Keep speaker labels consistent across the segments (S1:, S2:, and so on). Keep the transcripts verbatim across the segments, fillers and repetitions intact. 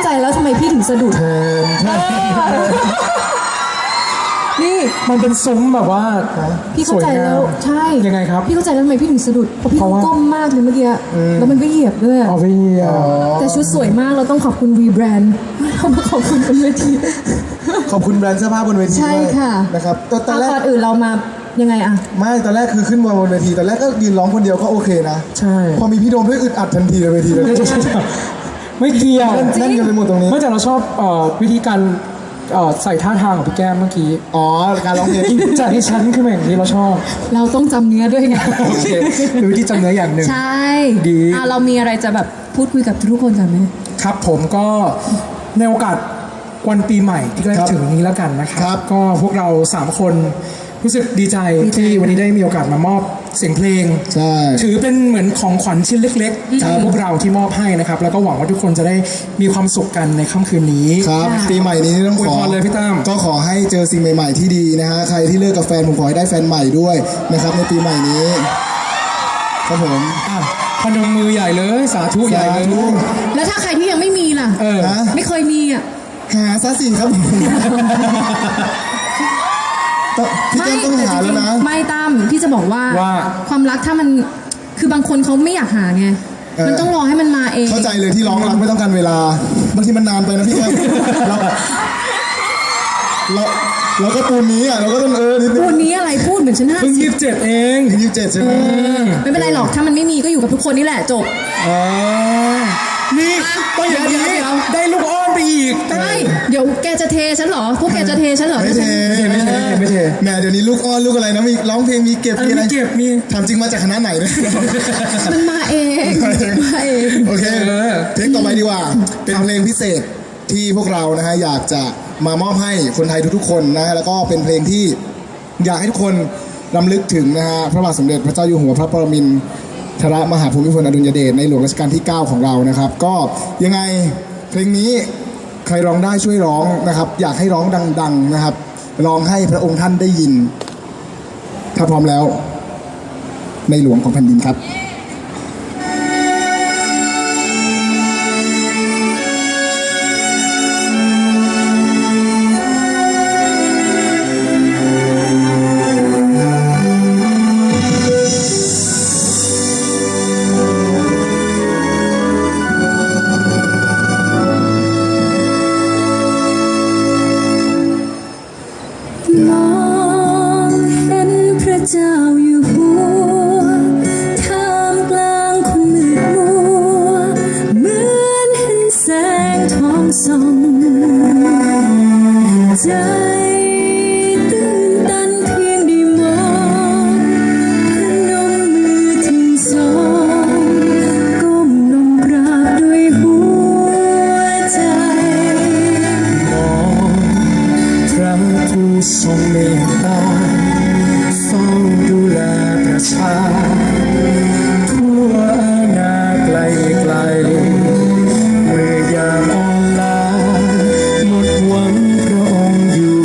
S1: แล้วทำไมพี่ถึงสะดุดนี่
S2: มันเป็นซุ้มแบบว่า
S1: พี่เข้าใจแล้วใช่
S2: ยังไงครับ
S1: พี่เข้าใจแล้วทำไมพี่ถึงสะดุดเพราะพี่ก้มมากเลยเมื่อกี้แล้วมันก็เหยียบด้วย
S2: อ๋อพี่
S1: แต่ชุดสวยมากเราต้องขอบคุณวีแบรนด์เรามาขอบคุณบนเวที
S3: ขอบคุณแบรนด์เสื้อผ้าบนเวที
S1: ใช่ค่ะ
S3: นะครับ
S1: ตอนแรกอื่นเรามายังไงอะ
S3: ไม่ตอนแรกคือขึ้นมาบนเวทีตอนแรกก็ยืนร้องคนเดียวก็โอเคนะ
S2: ใช่
S3: พอมีพี่โดมด้วยอึดอัดทันทีเลยเวทีเลย
S2: ไม่เกี่ยว
S3: นั่นกันไปหมดตรงนี้
S2: ไม่แต่เราชอบวิธีการใส่ท่าทางของพี่แก้มเมื่อกี้
S3: อ๋อการร้องเพลง
S2: จากที่ฉันขึ้นมาอย่างนี้เราชอบ
S1: เราต้องจำเนื้อด้วยไง
S2: โอเคหรือที่จำเนื้ออย่างหนึ่ง
S1: ใช่
S2: ดี
S1: เรามีอะไรจะแบบพูดคุยกับทุกคนกันไหม
S2: ครับผมก็ในโอกาสวันปีใหม่ที่ใกล้ถึงนี้แล้วกันนะครับก็พวกเราสามคนรู้สึกดีใจที่วันนี้ได้มีโอกาสมามอบเสียงเพลงถือเป็นเหมือนของขวัญชิ้นเล็กๆจากพวกเราที่มอบให้นะครับแล้วก็หวังว่าทุกคนจะได้มีความสุขกันในค่ำคืนนี้
S3: ครับปีใหม่นี้ต้องขอ
S2: เลยพี่ตั้ม
S3: ก็ขอให้เจอสิ่งใหม่ๆที่ดีนะฮะใครที่เลิกกับแฟนผมขอให้ได้แฟนใหม่ด้วยนะครับในปีใหม่นี้ครับผม
S2: พนมมือใหญ่เลยสาธุใหญ่เลย
S1: แล้วถ้าใครที่ยังไม่มีล่ะไม่เคยมีอ่ะ
S3: หาซะสิครับพี่แก้มต้องหาแล้วนะ
S1: ไม่ตั้มพี่จะบอกว่าความรักถ้ามันคือบางคนเขาไม่อยากหาไงมันต้องรอให้มันมาเอง
S3: เข้าใจเลยที่ร้องรักไม่ต้องการเวลาบางทีมันนานไปนะพี่แก้มเราเราเราก็ปูนนี้อ่ะเราก็ต้องเออ
S1: ปูนนี้อะไรพูดเหมือนฉันห้า
S2: สิบยี่สิบเจ็ดเอง
S3: ยี่สิบเจ็ดใช่ไหม
S1: ไม่เป็นไรหรอกถ้ามันไม่มีก็อยู่กับทุกคนนี่แหละจบ
S2: นี่ต้องอย่างนี้ได้ลูกอ้อนไปอีก
S1: ใช่เดี๋ยวแกจะเทฉันเหรอพวกแกจะเทฉันเหรอ
S3: ไม่เทไม่เทไม่เทแหมเดี๋ยวนี้ลูกอ้อนลูกอะไรนะมีร้องเพลงมีเก็บมีอะไร
S2: เก็บมี
S3: ถามจริงมาจากคณะไหนเนี่ย
S1: มันมาเองมาเอง
S3: โอเคเพลงต่อไปดีกว่าเป็นเพลงพิเศษที่พวกเรานะฮะอยากจะมามอบให้คนไทยทุกๆคนนะฮะแล้วก็เป็นเพลงที่อยากให้ทุกคนรำลึกถึงนะฮะพระบาทสมเด็จพระเจ้าอยู่หัวพระปรมินทรมหาภูมิพลอดุลยเดชในหลวงรัชกาลที่เก้าของเรานะครับก็ยังไงเพลงนี้ใครร้องได้ช่วยร้องนะครับอยากให้ร้องดังๆนะครับร้องให้พระองค์ท่านได้ยินถ้าพร้อมแล้วในหลวงของแผ่นดินครับ
S1: มองเห็นพระเจ้าอยู่หัวท่ามกลางคนมืดมัวเหมือนเห็นแสงทองส่องใจตื่นตันเพียงได้มองพนมมือทั้งสองก้มลงกราบด้วยหัวใจ
S2: มองพระผู้ทรงเมตตาเฝ้าดูแลประชาทั่วอาณาไกลไกลเมื่อยามอ่อนล้าหมดหวังพระองค์อยู่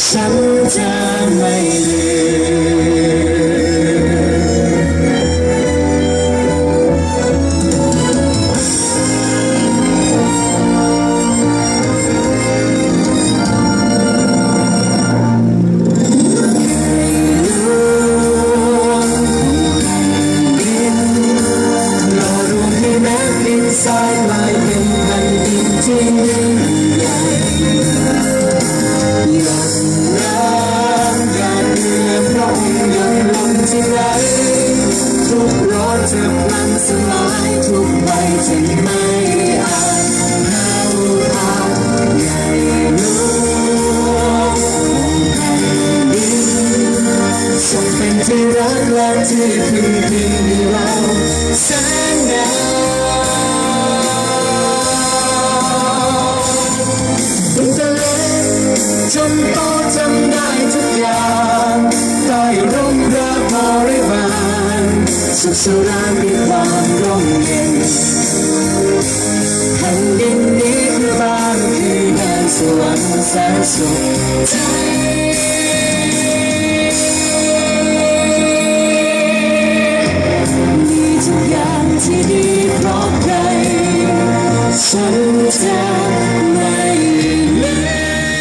S3: ฉันจะไม่ลืสายลายเป็นแผ่นดินที่ยิ่งใหญ่หยดน้ำหยาดเหงื่อพระองค์หยดลงที่ไหนทุกรสจะพลันสลายทุกใบจะไม่อาจแผ่วพราวใหญ่หลวงของแผ่นดินทรงเป็นที่รักและที่พึ่งพิงให้เราแสนนานตั้งแต่เล็กจนโตจำได้ทุกอย่างใต้ร่มพระบริวารสุขสรานมีความร่มเย็นแผ่นดินนี้คือบ้านคือแดนสวรรค์แสนสุขใจมีทุกอย่างที่ดีเพราะใครฉันจะไม่ลืม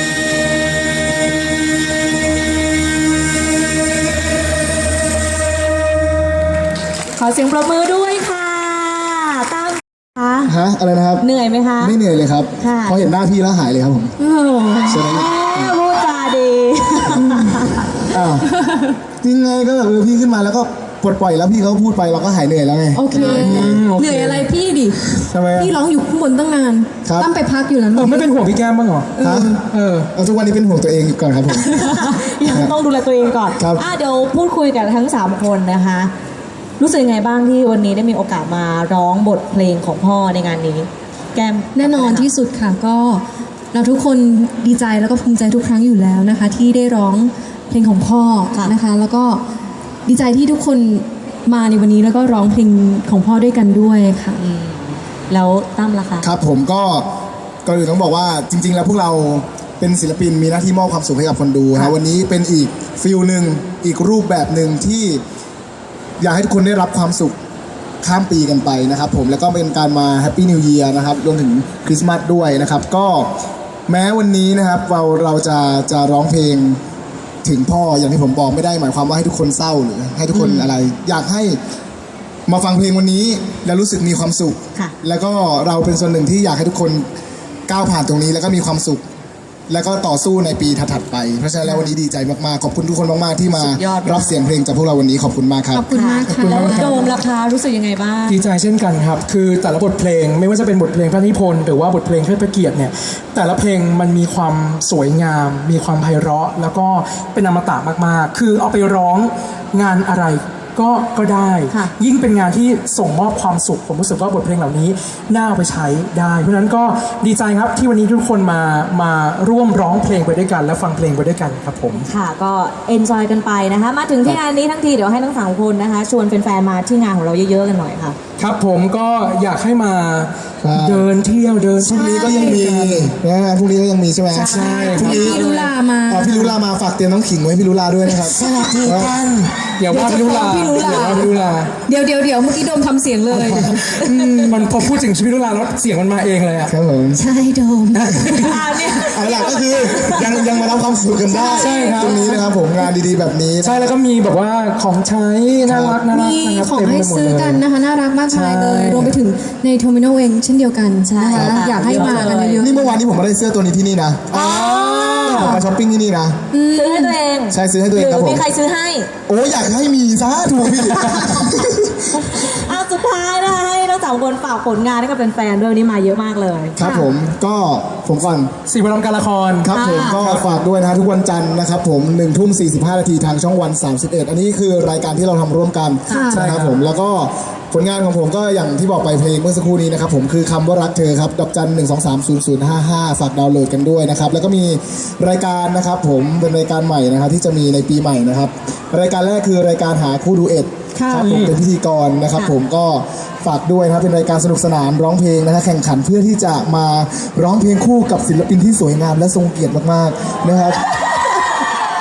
S1: ขอเสียงปรบมือด้วยค่ะตั้มคะ
S3: ฮะอะไรนะครับ
S1: เหนื่อยไหมคะ
S3: ไม่เหนื่อยเลยครับ
S1: ค่ะ
S3: พอเห็นหน้าพี่แล้วหายเลยครับผม
S1: โอ้โห
S3: ใช่ไหม
S1: พูดจาดี
S3: อ้าวจริงไงก็แบบเออพี่ขึ้นมาแล้วก็ปลดปล่อยแล้วพี่เขาพูดไปเราก็หายเหนื่อยแล้วไง
S4: โอเค เหนื่อยอะไรพี่ดิ
S2: ทำไมอะ
S4: พี่ร้องอยู่ข้างบนตั้งนาน
S3: ครับ
S4: ตั้มไปพักอยู่นั้น
S2: เออไม่เป็นห่วงพี่แก้มบ้างเหรอ
S3: ฮะ
S2: เออ
S3: เอาทุกวันนี้เป็นห่วงตัวเองก่อนครับผม
S1: ยังต้องดูแลตัวเองก่อน
S3: ครับ
S1: อ่ะเดี๋ยวพูดคุยกันทั้งสามคนนะคะ รู้สึกยังไงบ้างที่วันนี้ได้มีโอกาสมาร้องบทเพลงของพ่อในงานนี้ แก้ม
S4: แน่นอนที่สุดค่ะก็เราทุกคนดีใจแล้วก็ภูมิใจทุกครั้งอยู่แล้วนะคะ ที่ได้ร้องเพลงของพ่อนะคะ แล้วก็ดีใจที่ทุกคนมาในวันนี้แล้วก็ร้องเพลงของพ่อด้วยกันด้วยค่ะ
S1: อืมแล้วตั้มล่ะคะ
S3: ครับผมก็ก่อนอื่นต้องบอกว่าจริง ๆ แล้วพวกเราเป็นศิลปินมีหน้าที่มอบความสุขให้กับคนดู
S1: ครั
S3: นะ
S1: บ
S3: วันนี้เป็นอีกฟิลหนึ่งอีกรูปแบบหนึ่งที่อยากให้ทุกคนได้รับความสุขข้ามปีกันไปนะครับผมแล้วก็เป็นการมาแฮปปี้นิว e ย r นะครับรวมถึงคริสต์มาสด้วยนะครับก็แม้วันนี้นะครับเราเราจะจะร้องเพลงถึงพ่ออย่างที่ผมบอกไม่ได้หมายความว่าให้ทุกคนเศร้าหรือให้ทุกคนอะไร อยากให้มาฟังเพลงวันนี้แล้วรู้สึกมีความสุข
S1: ค่ะ
S3: แล้วก็เราเป็นส่วนหนึ่งที่อยากให้ทุกคนก้าวผ่านตรงนี้แล้วก็มีความสุข แล้วก็ต่อสู้ในปีถัดๆไปเพราะฉะนั้นแล้ววันนี้ดีใจมากๆขอบคุณทุกคนมากๆที่มา
S1: สุดยอดมาก
S3: รับเสียงเพลงจากพวกเราวันนี้ขอบคุณมากครับ
S4: ขอบคุณมากค่ะ
S1: แล้วโดมล่ะคะรู้สึกยังไงบ้าง
S2: ดีใจเช่นกันครับ คือแต่ละบทเพลงไม่ว่าจะเป็นบทเพลงพระนิพนธ์หรือว่าบทเพลงเทิดพระเกียรติเนี่ย แต่ละเพลงมันมีความสวยงาม มีความไพเราะ แล้วก็เป็นอมตะมากๆ คือเอาไปร้องงานอะไรก็ก็ได้
S1: ค่ะ
S2: ยิ่งเป็นงานที่ส่งมอบความสุข ผมรู้สึกว่าบทเพลงเหล่านี้น่าเอาไปใช้ได้ เพราะฉะนั้นก็ดีใจครับที่วันนี้ทุกคนมามาร่วมร้องเพลงไปด้วยกัน และฟังเพลงไปด้วยกันครับผม
S1: ค่ะก็เอนจอยกันไปนะคะ มาถึงที่งานนี้ทั้งทีเดี๋ยวให้ทั้งสามคนนะคะ ชวนแฟนๆมาที่งานของเราเยอะๆกันหน่อยค่ะ
S2: ครับผมก็อยากให้มา
S3: ใช่
S2: เดินเที่ยวเดิน
S3: พรุ่งนี้ก็ยังมีนะฮะพรุ่งนี้ก็ยังมีใช่ไหม
S2: ใช่
S3: พรุ่งนี้
S4: พี่ลุลามา
S3: อ่าพี่ลุลามาฝากเตรียมน้องขิงไว้ให้พี่ลุลาด้วยนะครับสวัสดีครับ
S2: อย่าว่าพี่ลุลา
S4: พี่ลุลา
S2: อย่าว่าพี่ลุลา
S4: เดี๋ยวเดี๋ยวเดี๋ยวเมื่อกี้โดมทำเสียงเลย
S2: อืมมันพอพูดถึงชีวิตลุลาแล้วเสียงมันมาเองเลยอะ
S3: ครับผม
S4: ใช่โดม
S1: อ่าเนี่ย
S3: เอาล่ะก็คือยังยังมารับความสุขกันได้
S2: ใช่ครับ
S3: ตรงนี้นะครับผมงานดีๆแบบนี้
S2: ใช่แล้วก็มีแบบว่าของใช้น่ารักน่ารัก
S4: มี
S2: นะครับ
S4: ของ
S2: เต็ม
S4: ให้
S2: ไปหมด
S4: ซื้อ
S2: เลย
S4: กันนะคะ น่ารักมากมายเลย
S2: ใช่
S4: รวมไปถึงในโทมิโนเองเช่นเดียวกัน
S1: ใช่
S4: นะคะ
S1: ค่ะ
S4: อยากให้มากันเยอะ
S3: นี่เมื่อวานนี้ผมมาได้เสื้อตัวนี้ที่นี่นะผมมาช้อปปิ้งที่นี่นะ
S1: ซื้อให้ตัวเอง
S3: ใช่ซื้อให้ตัว
S1: ห
S3: เอง
S1: รื
S3: ครับ
S1: อ
S3: ผม
S1: มีใครซื้อให้
S3: โอ้อยากให้มีซะถูกพี่
S1: อ่ะสุดท้ายนะคะให้ทั้งสามคนฝากผลงานให้กับแฟนๆด้วยวันนี้มาเยอะมากเลย
S3: ครับผมก็ผมก่อน
S2: สี่วันทำการละคร
S3: ครับผมก็ฝากด้วยนะทุกวันจันทร์นะครับผมหนึ่งทุ่มสี่สิบห้านาทีทางช่องวันสามสิบเอ็ดอันนี้คือรายการที่เราทำร่วมกัน
S4: ค่ะ
S3: นะครับผมแล้วก็ผลงานของผมก็อย่างที่บอกไปเพลงเมื่อสักครู่นี้นะครับผมคือคำว่ารักเธอครับดอกจันหนึ่งสองสามศูนย์ศูนย์ห้าห้าฝากดาวน์โหลดกันด้วยนะครับแล้วก็มีรายการนะครับผมเป็นรายการใหม่นะครับที่จะมีในปีใหม่นะครับรายการแรกคือรายการหาคู่ดูเอ็ด
S4: ค่ะ
S3: ครับผมเป็นพิธีกรนะครับ
S1: ค่ะ
S3: ผมก็ฝากด้วยนะครับเป็นรายการสนุกสนานร้องเพลงนะฮะแข่งขันเพื่อที่จะมาร้องเพลงคู่กับศิลปินที่สวยงามและทรงเกียรติมากๆนะครับ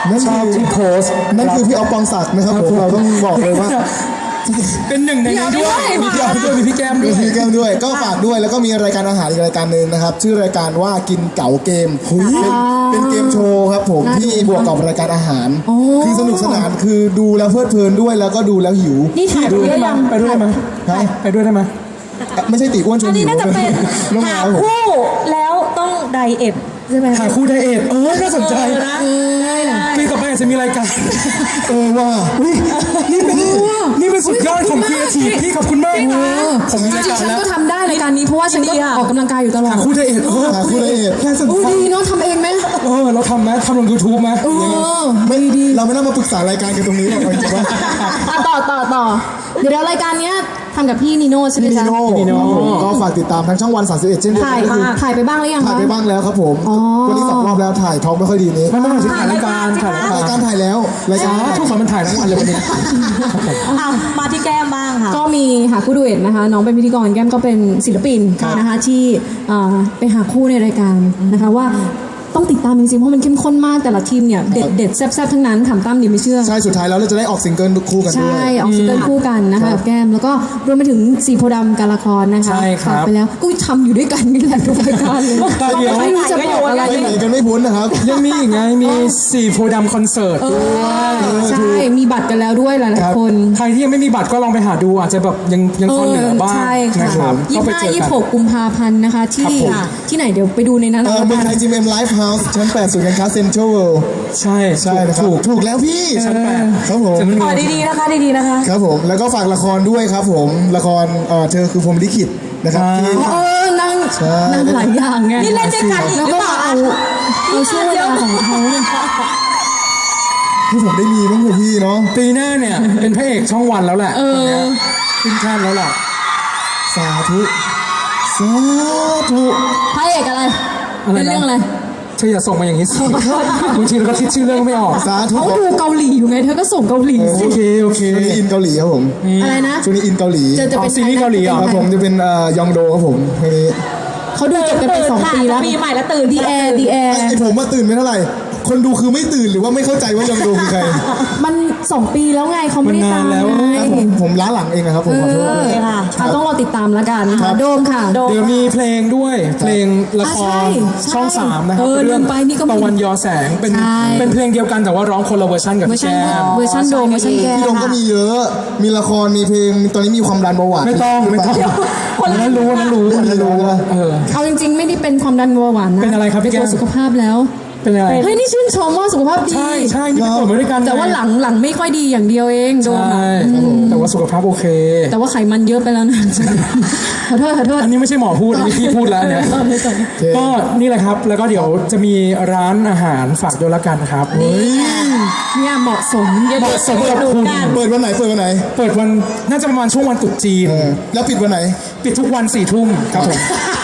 S3: นั่น
S2: ชอบ
S3: คือ
S2: ที่โพสต์
S3: นั่นคือพี่ออฟปองศักดิ์นะครับผมเราต้องบอกเลยว่า
S2: เป็นหนึ่งในนั้นด้วยมีพี่ออฟด้วยมีพี่แก้มด้วย
S3: มีแก้มด้วยก็ฝากด้วยแล้วก็มีรายการอาหารอีกรายการหนึ่งนะครับ ชื่อรายการว่ากินเก๋าเกมเป็นเป็นเกมโชว์ครับผมที่บวกกับรายการอาหาร คือสนุกสนานคือดูแล้วเพลิดเพลินด้วยแล้วก็ดูแล้วหิว
S4: นี่ถ่าย
S2: ดู
S4: ไป
S2: ได้
S4: ได้
S2: ไหม
S4: ยัง
S2: ไปด้วยได้ไหม
S3: ฮะ
S2: ไปด้วยได้ไหม
S3: ไม่ใช่ตีอ้วนชวน
S5: อัน
S3: หิ
S5: นี้
S3: ว
S5: น่าจะเป็น
S3: น้อง
S5: หา
S3: แมวผม
S5: คู่แล้วต้องไดเอทใช่ไหม
S2: หาคู่ไดเอทเออน่าสนใจ
S5: เออนะได้ได้
S2: ปีต่อไปอาจจะมีรายการ
S3: เออว่า
S2: อุ๊ยนี่เป็นนี่เป็นสุดยอดของครีเอทีฟพี่ขอบคุณมากผมมี
S4: จ
S2: ราย
S4: ริง
S2: การ
S4: ๆฉัน
S2: แล้ว
S4: ก็ทำได้รายการนี้เพราะว่าฉันก็ออกกำลังกายอยู่ตลอด
S2: หาคู่ไดเอทเออ
S3: หาคู่ไดเอท
S2: น่าสน
S4: โอ้
S2: ใจ
S4: ดีเนาะทำเองไหม
S2: เออเราทำไหมทำลงยูทูบไหม
S4: เออ
S3: ไม่เราไม่ต้องมาปรึกษารายการกันตรงนี้หรอกจริงๆว่า
S4: อ่ะต่อต่อต่อเดี๋ยวรายการเนี้ยทำกับพี่นีโน่ใช่ไหม
S3: พี่นี
S4: จ๊ะ
S3: โน่ครับผมก็ฝากติดตามทางช่องวันสามสิบเอ็ดเช่นเดียว
S4: ถ่าย
S3: กันก็คือ
S4: ถ่ายไปบ้างหรือยัง
S3: ถ่าย
S4: คะ
S3: ไปบ้างแล้วครับผม
S4: อ๋อ
S3: วันนี้สองรอบแล้วถ่ายท้องไม่ค่อยดีนี้
S2: ไม่ไม่ไม่ถ่ายรายการถ่ายรายการ
S3: รายการถ่ายแล้วราย
S2: อ๋
S3: กา
S2: อ
S3: ร
S2: ทุกคนมันถ่ายทั้งวันเลยวันนี้
S5: อ่ะมาที่แก้มบ้างค่ะ
S4: ก็มีหาคู่ดูเอ็ดนะคะน้องเป็นพิธีกรแก้มก็เป็นศิลปินนะคะที่เอ่อไปหาคู่ในรายการนะคะว่าต้องติดตามจริงๆเพราะมันเข้มข้นมากแต่ละทีมเนี่ยเด็ดเด็ดๆแซ่บๆทั้งนั้นถามตั้มดิไม่เชื่อ
S3: ใช่สุดท้ายแล้วเราจะได้ออกซิงเกิลคู่กันด้ว
S4: ใช่
S3: ย
S4: ออกซิงเกิลคู่กันนะคะกับแก้มแล้วก็รวมไปถึงสีโพธิ์ดำการละครนะคะ
S2: ใช่ครับ
S4: ฝากไปแล้วก็ทำอยู่ด้วยกันนี่แหละทุกรายการเลย
S2: แต่เดี๋ยว
S4: ไม่รู้จะบอกอะไร
S3: ไปไหนกันไม่พ้นนะครับ
S2: ยังมีอีกไงมีสี่โพธิ์ดำคอนเสิร์ตด้วย
S4: ใช่มีบัตรกันแล้วด้วยหลายๆคน
S2: ใครที่ยังไม่มีบัตรก็ลองไปหาดูอาจจะแบบยังยังพอเหลือบ้าง
S4: ใช่
S2: นะ
S4: ค่ะ
S2: ครับ
S4: ยี่
S2: ก็
S4: สิ
S2: ไป
S4: บห้า
S2: เจอ
S4: ยี่
S2: กั
S4: สิบหก
S2: น
S4: กุมภาพันธ์นะคะที่
S2: ครับผม
S4: ที่ไหนเดี๋ยวไปดูในนั้น
S3: เอ
S4: เอา
S3: อ
S4: ละ
S3: เมือง
S4: กั
S3: ไท
S4: น
S3: ยจิมเอ็มไลฟ์เฮาส์ชั้นแปดศูนย์การค้าเซ็นทรัลเวิลด์
S2: ใช่
S3: ใช่นะครับ
S2: ถูก
S3: ถูกแล้วพี่
S2: ชั้นแปด
S3: ครับผม
S2: จะไม่มี
S5: ขอดีๆนะคะดีๆนะคะ
S3: ครับผมแล้วก็ฝากละครด้วยครับผมละครเอ่อเธอคือพรหมลิขิตนะครับที่
S4: เออนั่ง
S3: ใช่
S4: นั่งหลายอย่างไง
S5: นี่เล่นด้วยกันอีก
S4: แล้ว
S5: หรือ
S4: ก็
S5: เปล่า
S4: เอาเอาช่วงเวลาของเขาเนี่ย
S3: ที่ผมได้มีบ้างเถอะพี่เนาะ
S2: ปีหน้าเนี่ยเป็นพระเอกช่องวันแล้วแหละ
S4: เออ
S2: ขึ้นชาติแล้วแหละ
S3: สาธุสาธุ
S4: พระเอกอะไร
S2: อะไรนะ
S4: เป็นเรื่องอะไร
S2: เธออย่าส่งมาอย่างนี้สิบางทีเราก็คิดชื่อเรื่องไม่ออก
S3: สาธุ
S4: เขาดูเกาหลีอยู่ไงเธอก็ส่งเกาหลีสิ
S2: โอเคโอเค
S3: ช่วงนี้อินเกาหลีครับผม
S4: อะไรนะ
S3: ช่วงนี้อินเกาหลี
S4: จะจะเป็น
S2: อ๋อซีรีส์เกาหลีเหรอ
S3: ครับผมจะเป็นเอ่อยองโดครับผมเพลงนี้
S4: เขาดูจบกันไปสองปีแล้ว
S5: ปีใหม่แล้วตื่น
S4: ดีแอร์ดีแอร์
S3: ไอผมมาตื่นไม่เท่าไหร่ คนดูคือไม่ตื่นหรือว่าไม่เข้าใจว่ายองโดคือใคร
S4: มันสองปีแล้วไงเขาไม่ได้ตาม
S2: มันนานแล้ว
S4: ไง
S3: ครับผมผมล้าหลังเองนะครับผมขอโทษ
S4: เอ
S3: ด้วย
S4: อ
S5: ค่ะ
S4: อ่ะต้องรอติดตามแล้วกันค่ะโดมค่ะ
S5: โดม
S2: เดี๋ยวมีเพลงด้วยเพลงละค
S4: อ่ะใช่
S2: ร
S4: ใช่
S2: ช่องสามนะครับ
S4: เออ
S2: เรื่อง
S4: ลืมไปนี่ก็มี
S2: ตะวันยอแสงเป็น
S4: ใช่
S2: เป็นเพลงเดียวกันแต่ว่าร้องคนละเวอร์ชันกับ
S4: เวอร์
S2: พี่
S4: ชัน
S2: แก้ม
S4: เวอร์ชันโดมเวอร์ชันแก้
S3: พี่โดมก็มีเยอะ มีละครมีเพลงตอนนี้มีความดันเบาหวาน
S2: ไม่ต้องไม่ต้องอันนั้นรู้อันนั้นรู้อันนั้นรู้เออ
S4: เอาจริงๆ ไม่ได้เป็นความดันเบาหวานนะ
S2: เป็นอะไรครับพี่แก้ม
S4: เป็นตัวสุขภาพแล้ว
S2: เป็นอะไร
S4: เฮ้ยนี่ชื่นชมว่าสุขภาพดี
S2: ใช่ใช่นี่ไปตรวจมาด้วยกัน
S4: แต่ว่าหลังหลังไม่ค่อยดีอย่างเดียวเองโดม
S2: ใช่
S4: อะ
S2: แต่ว่าสุขภาพโอเค
S4: แต่ว่าไขมันเยอะไปแล้วนะ ขอโทษขอโทษ
S2: อันนี้ไม่ใช่หมอพูดอันนี้พี่พูดแล้วเนี่ย
S4: ตอนนี้ตอนนี้
S2: ก็นี่แหละครับ แล้วก็เดี๋ยวจะมีร้านอาหารฝากด้วยละกันครับ
S4: เนี่ยเหมาะสม
S2: เหมาะสมกับคุณ
S3: เปิดวันไหนเปิดวันไหน
S2: เปิดวันน่าจะประมาณช่วงวันตรุษจีน
S3: เออแล้วปิดวันไหน
S2: ปิดทุกวันสี่ทุ่มครับผม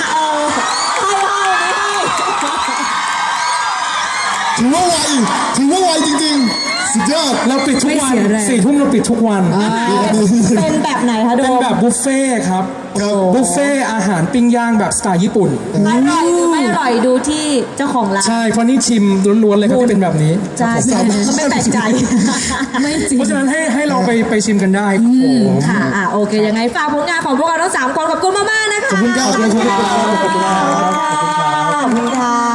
S3: ถือว่าไวถือว่าไวจริงๆ สุดยอด
S2: เราปิดทุกวัน
S4: ไม่เสียแรง
S2: สี่ทุ่มเราปิดทุกวัน
S5: เป็นแบบไหนคะโด
S2: เป็น
S5: ม
S2: แบบบุฟเฟ่ต์ครับ
S3: ครับ
S2: บุฟเฟ่ต์อาหารปิ้งย่างแบบสไตล์ญี่ปุ่น
S5: อร่อยหรือไม่อร่อยดูที่เจ้าของร้าน
S2: ใช่เพราะนี่ชิมล้วนๆเลยครับที่เป็นแบบนี้
S5: ใช่ใช่ก็ไม่แปลกใจ
S4: ไม่จริง
S2: เพราะฉะนั้นให้ให้เราไปไปชิมกันได้ครับผม
S5: ค่ะอ่ะโอเคยังไงฝากผลงานของพวกเราทั้งสามคนขอบคุณมากๆนะคะ
S3: ขอบคุณครับ
S2: ขอบคุณครับ
S5: ขอบคุณค่ะ